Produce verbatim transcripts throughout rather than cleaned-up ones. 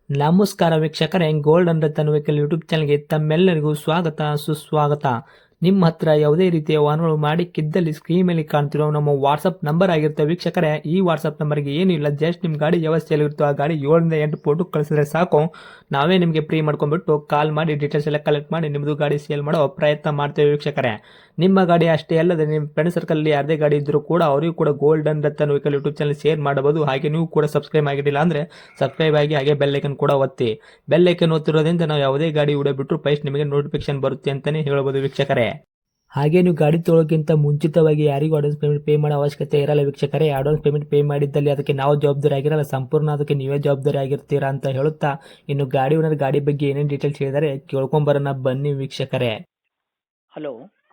ನಮಸ್ಕಾರ ವೀಕ್ಷಕರೇ, gold and Ratan vehicle YouTube ಚಾನಲ್ಗೆ ತಮ್ಮೆಲ್ಲರಿಗೂ ಸ್ವಾಗತ ಸುಸ್ವಾಗತ. ನಿಮ್ಮ ಹತ್ರ ಯಾವುದೇ ರೀತಿಯ ವಾಹನಗಳು ಮಾಡಿಕ್ಕಿದ್ದಲ್ಲಿ ಸ್ಕ್ರೀನ್ ಮೇಲೆ ಕಾಣ್ತಿರೋ ನಮ್ಮ ವಾಟ್ಸಪ್ ನಂಬರ್ ಆಗಿರುತ್ತೆ ವೀಕ್ಷಕರೇ. ಈ ವಾಟ್ಸಪ್ ನಂಬರ್ಗೆ ಏನಿಲ್ಲ, ಜಸ್ಟ್ ನಿಮ್ಮ ಗಾಡಿ ವ್ಯವಸ್ಥೆಯಲ್ಲಿರುತ್ತೋ ಆ ಗಾಡಿ ಏಳರಿಂದ ಎಂಟು ಫೋಟೋ ಕಳಿಸಿದ್ರೆ ಸಾಕು, ನಾವೇ ನಿಮಗೆ ಫ್ರೀ ಮಾಡ್ಕೊಂಡ್ಬಿಟ್ಟು ಕಾಲ್ ಮಾಡಿ ಡೀಟೇಲ್ಸ್ ಎಲ್ಲ ಕಲೆಕ್ಟ್ ಮಾಡಿ ನಿಮ್ಮದು ಗಾಡಿ ಸೇಲ್ ಮಾಡೋ ಪ್ರಯತ್ನ ಮಾಡ್ತೇವೆ ವೀಕ್ಷಕರೇ. ನಿಮ್ಮ ಗಾಡಿ ಅಷ್ಟೇ ಅಲ್ಲದೆ ನಿಮ್ಮ ಫ್ರೆಂಡ್ ಸರ್ಕಲ್ ಯಾರದೇ ಗಾಡಿ ಇದ್ದರೂ ಕೂಡ ಅವರಿಗೂ ಕೂಡ gold and Ratan vehicle YouTube channel share ಮಾಡಬಹುದು. ಹಾಗೆ ನೀವು ಕೂಡ ಸಬ್ಸ್ಕ್ರೈಬ್ ಆಗಿರಲಿಲ್ಲ ಅಂದರೆ ಸಬ್ಸ್ಕ್ರೈಬ್ ಆಗಿ ಹಾಗೆ ಬೆಲ್ ಐಕನ್ ಕೂಡ ಒತ್ತಿ. ಬೆಲ್ ಐಕನ್ ಒತ್ತಿರೋದ್ರಿಂದ ನಾವು ಯಾವುದೇ ಗಾಡಿ ವಿಡಿಯೋ ಬಿಟ್ಟರು ಫಸ್ಟ್ ನಿಮಗೆ ನೋಟಿಫಿಕೇಶನ್ ಬರುತ್ತೆ ಅಂತಾನೆ ಹೇಳ್ಬೋದು ವೀಕ್ಷಕರೇ. ಹಾಗೆ ನೀವು ಗಾಡಿ ತೊಳೋಕ್ಕಿಂತ ಮುಂಚಿತವಾಗಿ ಯಾರಿಗೂ ಅಡ್ವಾನ್ಸ್ ಪೇಮೆಂಟ್ ಪೇ ಮಾಡೋ ಅವಶ್ಯಕತೆ ಇರಲ್ಲ ವೀಕ್ಷಕರೇ. ಅಡ್ವಾನ್ಸ್ ಪೇಮೆಂಟ್ ಪೇ ಮಾಡಿದ್ದಲ್ಲಿ ಅದಕ್ಕೆ ನಾವು ಜವಾಬ್ದಾರಿ ಆಗಿರಲ್ಲ, ಸಂಪೂರ್ಣ ಅದಕ್ಕೆ ನೀವೇ ಜವಾಬ್ದಾರಿ ಆಗಿರ್ತೀರಾ ಅಂತ ಹೇಳುತ್ತಾ, ಇನ್ನು ಗಾಡಿ ಓನರ್ ಗಾಡಿ ಬಗ್ಗೆ ಏನೇನು ಡೀಟೇಲ್ಸ್ ಹೇಳಿದರೆ ಕೇಳ್ಕೊಂಬರೋಣ ಬನ್ನಿ ವೀಕ್ಷಕರೇ. ಹಲೋ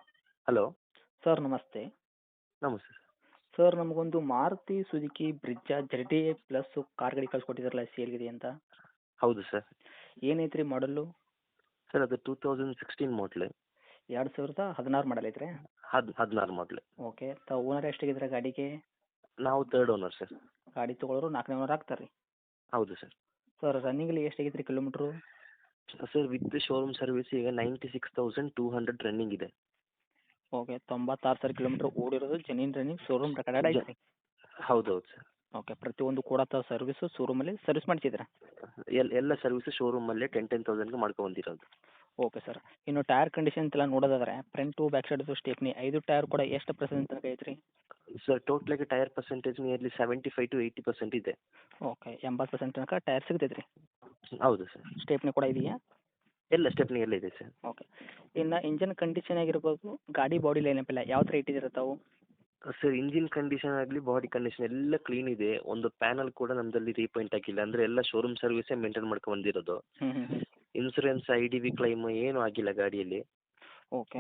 ಹಲೋ ಸರ್, ನಮಸ್ತೆ. ನಮಸ್ತೆ ಸರ್. ಸರ್, ನಮಗೊಂದು Maruti Suzuki Brezza Z D A plus car ಗಾಡಿ ಕಳ್ಸಿಕೊಟ್ಟಿದ್ರಲ್ಲ, ಸೇಲ್ಗಿದೆ ಅಂತ. ಹೌದು ಸರ್. ಏನೈತ್ರಿ ಮಾಡಲ್ಲು? ಸರ್ ಅದು ಟೂ ತೌಸಂಡ್ ಸಿಕ್ಸ್ಟೀನ್ ಮಾಡಲ್. ಎರಡು ಸಾವಿರದ ಹದಿನಾರು ಮಾಡಲ್ ಐತ್ರಿ? ಹದ್ ಹದಿನಾರು ಮಾಡಲ್. ಓಕೆ. ತಾವು ಓನರ್ ಎಷ್ಟಾಗಿದ್ರೆ ಗಾಡಿಗೆ? ನಾವು ತರ್ಡ್ ಓನರ್ ಸರ್. ಗಾಡಿ ತೊಗೊಳೋರು ನಾಲ್ಕನೇ ಓನರ್ ಆಗ್ತಾರೆ ರೀ? ಹೌದು ಸರ್. ಸರ್, ರನ್ನಿಂಗಲ್ಲಿ ಎಷ್ಟಾಗೈತೆ ರೀ kilometre? Sir with showroom service ಈಗ ninety six thousand two hundred running ಇದೆ. ಓಕೆ. ತೊಂಬತ್ತಾರು ಸಾವಿರ ಕಿಲೋಮೀಟ್ರ್ ಓಡಿರೋದು ಜೆನ್ಯೂನ್ ರನ್ನಿಂಗ್, ಶೋರೂಮ್ ರೆಕಾರ್ಡೆಡ್ ಐತೆ ರೀ? ಹೌದೌದು ಸರ್. ಓಕೆ. ಪ್ರತಿಯೊಂದು ಕೂಡ ತಾವು ಸರ್ವಿಸು ಶೋರೂಮಲ್ಲಿ ಸರ್ವಿಸ್ ಮಾಡಿಸಿದ್ರಾ? ಎಲ್ ಎಲ್ಲ ಸರ್ವಿಸ್ ಶೋರೂಮಲ್ಲೇ ಟೆನ್ ಟೆನ್ ತೌಸಂಡ್ಗೆ ಮಾಡ್ಕೊಂಬಂದಿರೋದು. Okay sir. ಇನ್ನು ಟೈರ್ ಕಂಡೀಷನ್ ಎಲ್ಲ ನೋಡೋದಾದ್ರೆ ಫ್ರಂಟು ಬ್ಯಾಕ್ ಸೈಡ್ ಸ್ಟೆಪ್ನಿ ಐದು ಟೈರ್ ಕೂಡ ಎಷ್ಟು ಪರ್ಸೆಂಟ್ ತನಕ ಐತ್ರಿ? ಸರ್ ಟೋಟಲಾಗಿ tyre percentage nearly seventy five to eighty percent ಇದೆ. ಓಕೆ. ಎಂಬತ್ತು ಪರ್ಸೆಂಟ್ ತನಕ ಟೈರ್ ಸಿಗ್ತೈತೆ ರೀ? ಹೌದು ಸರ್. ಸ್ಟೆಪ್ನಿ ಕೂಡ ಇದೆಯಾ? ಎಲ್ಲ ಸ್ಟೆಪ್ನಿ ಎಲ್ಲ ಇದೆ ಸರ್. ಓಕೆ. ಇನ್ನು ಇಂಜನ್ ಕಂಡೀಷನ್ ಆಗಿರ್ಬೋದು, ಗಾಡಿ ಬಾಡಿ ಲೈನಪ್ ಎಲ್ಲ ಯಾವ ಥರ ಇಟ್ಟಿದ್ದೀರ ತಾವು? ಸರ್ ಇಂಜಿನ್ ಕಂಡೀಷನ್ ಆಗಲಿ ಬಾಡಿ ಕಂಡೀಷನ್ ಎಲ್ಲ ಕ್ಲೀನ್ ಇದೆ. ಒಂದು ಪ್ಯಾನಲ್ ಕೂಡ ನಮ್ಮದಲ್ಲಿ ರೀಪೇಂಟ್ ಆಗಿಲ್ಲ, ಅಂದರೆ ಎಲ್ಲ ಶೋರೂಮ್ ಸರ್ವಿಸೇ ಮೇಂಟೈನ್ ಮಾಡ್ಕೊಂಡು ಬಂದಿರೋದು. ಹ್ಞೂ ಹ್ಞೂ ಹ್ಞೂ insurance I D V claim ಏನೂ ಆಗಿಲ್ಲ ಗಾಡಿಯಲ್ಲಿ. ಓಕೆ.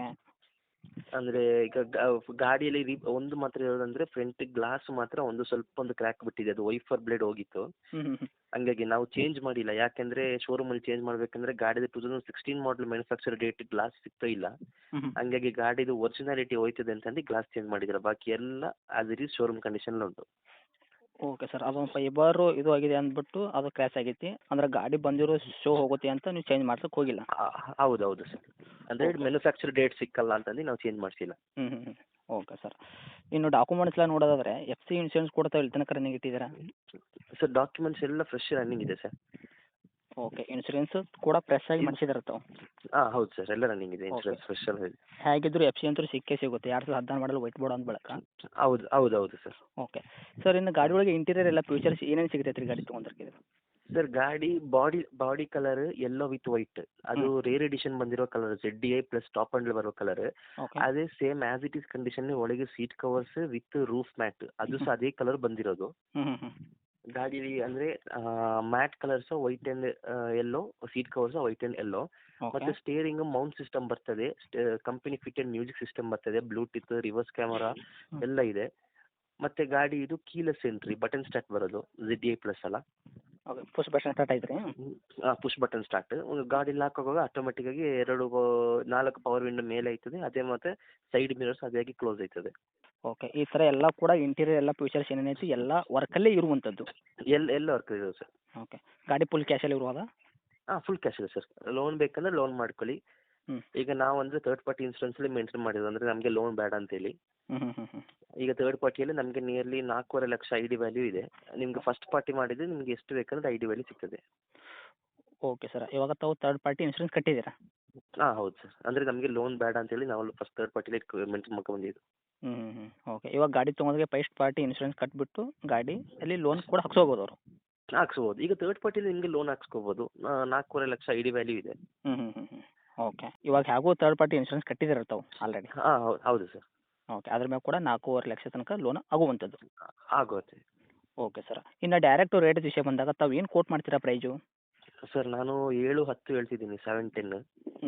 ಅಂದರೆ ಈಗ ಗ- ಗಾಡಿಯಲ್ಲಿ ರೀ ಒಂದು ಮಾತ್ರ ಹೇಳೋದಂದ್ರೆ ಫ್ರಂಟ್ ಗ್ಲಾಸ್ ಮಾತ್ರ ಒಂದು ಸ್ವಲ್ಪ ಒಂದು ಕ್ರ್ಯಾಕ್ ಬಿಟ್ಟಿದೆ, ಅದು ವೈಫರ್ ಬ್ಲೇಡ್ ಹೋಗಿತ್ತು. ಹ್ಞೂ ಹ್ಞೂ ಹ್ಞೂ ಹಂಗಾಗಿ ನಾವು ಚೇಂಜ್ ಮಾಡಿಲ್ಲ, ಯಾಕೆಂದರೆ ಶೋರೂಮಲ್ಲಿ ಚೇಂಜ್ ಮಾಡಬೇಕಂದ್ರೆ ಗಾಡಿದು two thousand sixteen model manufacture date glass ಸಿಗ್ತಾ ಇಲ್ಲ. ಹ್ಞೂ ಹ್ಞೂ ಹಂಗಾಗಿ ಗಾಡಿದು ಒರಿಜಿನಾಲಿಟಿ ಹೋಯ್ತದೆ ಅಂತಂದು ಗ್ಲಾಸ್ ಚೇಂಜ್ ಮಾಡಿದ್ರೆ ಬಾಕಿ ಎಲ್ಲ as it is showroom condition ಉಂಟು. Okay sir. ಅದೊಂದು ಫೈಬರು ಇದು ಆಗಿದೆ ಅಂದ್ಬಿಟ್ಟು ಅದು ಕ್ರ್ಯಾಶ್ ಆಗೈತಿ, ಅಂದ್ರೆ ಗಾಡಿ ಬಂದಿರೋ ಶೋ ಹೋಗುತ್ತೆ ಅಂತ ನೀವು ಚೇಂಜ್ ಮಾಡ್ಸೋಕೆ ಹೋಗಿಲ್ಲ? ಹೌದು ಹೌದು ಸರ್. ಅಂದರೆ ಓಕೆ. ಮ್ಯಾನುಫ್ಯಾಕ್ಚರ್ ಡೇಟ್ ಸಿಕ್ಕಲ್ಲ ಅಂತಂದು ನಾವು ಚೇಂಜ್ ಮಾಡಿಸಿಲ್ಲ. ಹ್ಞೂ ಹ್ಞೂ ಹ್ಞೂ ಓಕೆ ಸರ್. ಇನ್ನು ಡಾಕ್ಯುಮೆಂಟ್ಸ್ ಎಲ್ಲ ನೋಡೋದಾದ್ರೆ ಎಫ್ ಸಿ ಇನ್ಶೂರೆನ್ಸ್ ಕೂಡ ತಾವು ಇಲ್ಲಿ ತನಕ ರನ್ನಿಂಗ್ ಇಟ್ಟಿದ್ದೀರಾ? ಸರ್ ಡಾಕ್ಯುಮೆಂಟ್ಸ್ ಎಲ್ಲ ಫ್ರೆಶ್ ರನ್ನಿಂಗ್ ಇದೆ ಸರ್. ಓಕೆ. ಇನ್ಶೂರೆನ್ಸ್ ಕೂಡ ಫ್ರೆಶ್ ಆಗಿ ಮಾಡಿಸಿದಾರೆ ತಾವು? ಹಾಂ ಹೌದು ಸರ್, ಎಲ್ಲ ರನ್ನಿಂಗ್ ಇದೆ, ಓಕೆ. ಇನ್ಶೂರೆನ್ಸ್ ಫ್ರೆಶ್ ಎಲ್ಲ ಇದೆ. ಹೇಗಿದ್ರು ಎಫ್ ಸಿ ಅಂತೂ ಸಿಕ್ಕೇ ಸಿಗುತ್ತೆ, ಎರಡು ಸಾವಿರದ ಹದಿನಾರು ಮಾಡಲು ವೈಟ್ ಬೋರ್ಡ್ ಅಂದ ಬಳಕ. ಹೌದು ಹೌದು ಹೌದು ಸರ್. ಓಕೆ. ಸರ್, ಇನ್ನು ಗಾಡಿ ಒಳಗೆ ಇಂಟೀರಿಯರ್ ಎಲ್ಲ ಫ್ಯೂಚರ್ಸ್ ಏನೇನು ಸಿಗ್ತೈತೆ ರೀ ಗಾಡಿ ತೊಗೊಂಡ್ರೆ? ಸರ್ ಗಾಡಿ body body colour yellow with white, ಅದು ರೇರ್ ಎಡಿಷನ್ ಬಂದಿರೋ colour, Z D I plus top end ಬರೋ ಕಲರ್. ಓಕೆ. ಅದೇ same as it is condition ಒಳಗೆ seat covers with roof mat, ಅದು ಸಹ ಅದೇ ಕಲರ್ ಬಂದಿರೋದು. ಹ್ಞೂ ಹ್ಞೂ ಹ್ಞೂ ಗಾಡಿ ಅಂದರೆ mat colours white and yellow, seat covers white and yellow. Okay. ಮತ್ತು ಸ್ಟೇರಿಂಗ್ ಮೌಂಟ್ ಸಿಸ್ಟಮ್ ಬರ್ತದೆ, ಕಂಪನಿ ಫಿಟೆಡ್ ಮ್ಯೂಸಿಕ್ ಸಿಸ್ಟಮ್ ಬರ್ತದೆ, ಬ್ಲೂಟೂತ್, ರಿವರ್ಸ್ ಕ್ಯಾಮರಾ ಎಲ್ಲ ಇದೆ. ಮತ್ತು ಗಾಡಿ ಇದು ಕೀಲೆಸ್ ಎಂಟ್ರಿ, ಬಟನ್ ಸ್ಟಾರ್ಟ್ ಬರೋದು, ಜೆಡ್ ಡಿ ಐ ಪ್ಲಸ್ ಅಲ್ಲ. ಓಕೆ. ಪುಷ್ ಬಟನ್ ಸ್ಟಾರ್ಟ್ ಆಯ್ತು ರೀ? Push button start. ಗಾಡಿ ಲಾಕ್ ಆಗುವಾಗ ಆಟೋಮೆಟಿಕ್ಕಾಗಿ ಎರಡು ಆ, ನಾಲ್ಕು ಪವರ್ ವಿಂಡೋ ಮೇಲೆ ಆಯ್ತದೆ, ಅದೇ ಮತ್ತು ಸೈಡ್ ಮಿರರ್ಸ್ ಅದೇ ಆಗಿ ಕ್ಲೋಸ್ ಆಯ್ತದೆ. ಓಕೆ. ಈ ಥರ ಎಲ್ಲ ಕೂಡ ಇಂಟೀರಿಯರ್ ಎಲ್ಲ ಫ್ಯೂಚರ್ಸ್ ಏನೇನೈತಿ ಎಲ್ಲ ವರ್ಕಲ್ಲೇ ಇರುವಂಥದ್ದು? ಎಲ್ಲ ಎಲ್ಲ ವರ್ಕ್ ಇದೆ ಸರ್. ಓಕೆ. ಗಾಡಿ ಫುಲ್ ಕ್ಯಾಶಲ್ಲಿ ಇರುವಾಗ? ಹಾಂ ಫುಲ್ ಕ್ಯಾಶ್ ಇದೆ ಸರ್. ಲೋನ್ ಬೇಕಂದ್ರೆ ಲೋನ್ ಮಾಡ್ಕೊಳ್ಳಿ. ಹ್ಞೂ ಈಗ ನಾವು ಅಂದರೆ ತರ್ಡ್ ಪಾರ್ಟಿ ಇನ್ಶೂರೆನ್ಸಲ್ಲಿ ಮೇಂಟೈನ್ ಮಾಡಿರೋದು, ಅಂದರೆ ನಮಗೆ ಲೋನ್ ಬೇಡ ಅಂತೇಳಿ. ಹ್ಞೂ ಹ್ಞೂ ಹ್ಞೂ ಹ್ಞೂ ಈಗ ತರ್ಡ್ ಪಾರ್ಟಿಯಲ್ಲಿ ನಮಗೆ ನಿಯರ್ಲಿ ನಾಲ್ಕೂವರೆ ಲಕ್ಷ ಐ ಡಿ ವ್ಯಾಲ್ಯೂ ಇದೆ. ನಿಮ್ಗೆ ಫಸ್ಟ್ ಪಾರ್ಟಿ ಮಾಡಿದರೆ ನಿಮ್ಗೆ ಎಷ್ಟು ಬೇಕಂದ್ರೆ ಐ ಡಿ ವ್ಯಾಲ್ಯೂ ಸಿಗ್ತದೆ. Okay sir. ಇವಾಗ ತಾವು ತರ್ಡ್ ಪಾರ್ಟಿ ಇನ್ಶೂರೆನ್ಸ್ ಕಟ್ಟಿದ್ದೀರಾ? ಹಾಂ ಹೌದು ಸರ್. ಅಂದರೆ ನಮಗೆ ಲೋನ್ ಬೇಡ ಅಂತೇಳಿ ನಾವು ಫಸ್ಟ್ ತರ್ಡ್ ಪಾರ್ಟಿಲಿ ಮೇಂಟೈನ್ ಮಾಡ್ಕೊಂಡ್ಬಂದಿದ್ದು. ಹ್ಞೂ ಹ್ಞೂ ಹ್ಞೂ ಓಕೆ. ಇವಾಗ ಗಾಡಿ ತೊಗೊಂಡ್ರೆ ಫಸ್ಟ್ ಪಾರ್ಟಿ ಇನ್ಶೂರೆನ್ಸ್ ಕಟ್ಟಿಬಿಟ್ಟು ಗಾಡಿ ಅಲ್ಲಿ ಲೋನ್ ಕೂಡ ಹಾಕ್ಸೋಬೋದು ಅವರು? ಹಾಕ್ಸ್ಬೋದು. ಈಗ ತರ್ಡ್ ಪಾರ್ಟಿಲಿ ನಿಮಗೆ ಲೋನ್ ಹಾಕ್ಸ್ಕೋಬೋದು. ನಾಲ್ಕೂವರೆ ಲಕ್ಷ ಐ ಡಿ ವ್ಯಾಲ್ಯೂ ಇದೆ. ಹ್ಞೂ ಹ್ಞೂ ಹ್ಞೂ ಹ್ಞೂ ಓಕೆ. ಇವಾಗ ಹೇಗೂ ತರ್ಡ್ ಪಾರ್ಟಿ ಇನ್ಶೂರೆನ್ಸ್ ಕಟ್ಟಿದ್ದೀರ ತಾವು ಆಲ್ರೆಡಿ? ಹಾಂ ಹೌದು ಹೌದು ಸರ್. ಓಕೆ. ಅದ್ರ ಮೇಲೆ ಕೂಡ ನಾಲ್ಕೂವರೆ ಲಕ್ಷ ತನಕ ಲೋನ್ ಆಗುವಂಥದ್ದು? ಆಗುತ್ತೆ. Okay sir. ಇನ್ನು ಡೈರೆಕ್ಟು ರೇಟ್ ವಿಷಯ ಬಂದಾಗ ತಾವು ಏನು ಕೋಟ್ ಮಾಡ್ತೀರಾ ಪ್ರೈಜು? ಸರ್ ನಾನು ಏಳು ಹತ್ತು ಹೇಳ್ತಿದ್ದೀನಿ, ಸೆವೆನ್ ಟೆನ್. ಹ್ಞೂ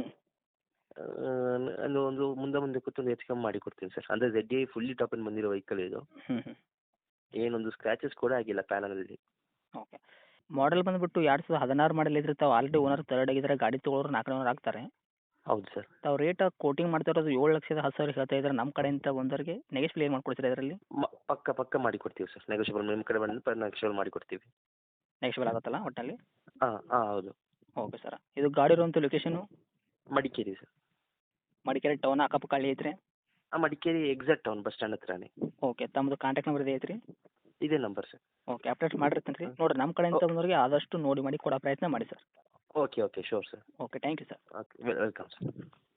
ನಾನು ಒಂದು ಮುಂದೆ ಮುಂದೆ ಕೂತ್ಕೊಂಡು ಹೆಚ್ಚು ಕಮ್ಮಿ ಮಾಡಿ ಕೊಡ್ತೀನಿ ಸರ್. ಅಂದರೆ Z I fully top end ಬಂದಿರೋ ವೆಹಿಕಲ್ ಇದು. ಹ್ಞೂ ಹ್ಞೂ ಏನೊಂದು ಸ್ಕ್ರ್ಯಾಚಸ್ ಕೂಡ ಆಗಿಲ್ಲ ಪ್ಯಾನಲಲ್ಲಿ. ಓಕೆ. ಮಾಡಲ್ ಬಂದುಬಿಟ್ಟು ಎರಡು ಸಾವಿರದ ಹದಿನಾರು ಮಾಡಲ್ ಇದ್ರೆ ತಾವು ಆಲ್ರೆಡಿ ಓನರ್ ತರ್ಡ್ ಆಗಿದ್ದಾರೆ, ಗಾಡಿ ತೊಗೊಳೋರು ನಾಲ್ಕನೇ ಓನರ್ ಆಗ್ತಾರೆ. ಹೌದು ಸರ್. ತಾವು ರೇಟ್ ಕೋಟಿಂಗ್ ಮಾಡ್ತಾ ಇರೋದು ಏಳು ಲಕ್ಷದ ಹತ್ತು ಸಾವಿರ ಹೇಳ್ತಾ ಇದ್ದಾರೆ, ನಮ್ಮ ಕಡೆಯಿಂದ ಬಂದವರಿಗೆ ನೆಗೆಶ್ಬಲ್ ಏನು ಮಾಡ್ಕೊಡ್ತೀರಾ ಇದರಲ್ಲಿ? ಮ ಪಕ್ಕ ಪಕ್ಕ ಮಾಡಿ ಕೊಡ್ತೀವಿ ಸರ್. ನೆಗೋಷಿಯಬಲ್ ನಿಮ್ಮ ಕಡೆ ಬಂದು ನೆಗೋಷಿಯಬಲ್ ಮಾಡಿ ಕೊಡ್ತೀವಿ. ನೆಕ್ಸ್ಟಬಲ್ ಆಗುತ್ತಲ್ಲ ಒಟ್ಟಿನಲ್ಲಿ. ಹಾಂ ಹಾಂ ಹೌದು. Okay sir. ಇದು ಗಾಡಿ ಇರುವಂಥ location Madikeri sir. Madikeri town ಅಕ್ಕಪಕ್ಕ ಹಳ್ಳಿ ಐತ್ರಿ? ಹಾಂ Madikeri exact town bus stand ಹತ್ರನೇ. ಓಕೆ. ತಮ್ಮದು ಕಾಂಟ್ಯಾಕ್ಟ್ ನಂಬರ್ ಇದೆ ಐತ್ರಿ? ಇದೇ ನಂಬರ್ ಸರ್. ಓಕೆ. ಅಪ್ಡೇಟ್ ಮಾಡಿರ್ತೀನಿ ರೀ. ನೋಡಿರಿ ನಮ್ಮ ಕಡೆಯಿಂದ ಬಂದವರಿಗೆ ಆದಷ್ಟು ನೋಡಿ ಮಾಡಿ ಕೊಡೋ ಪ್ರಯತ್ನ ಮಾಡಿ sir. Okay okay sure sir. Okay. Thank you sir. Okay welcome sir.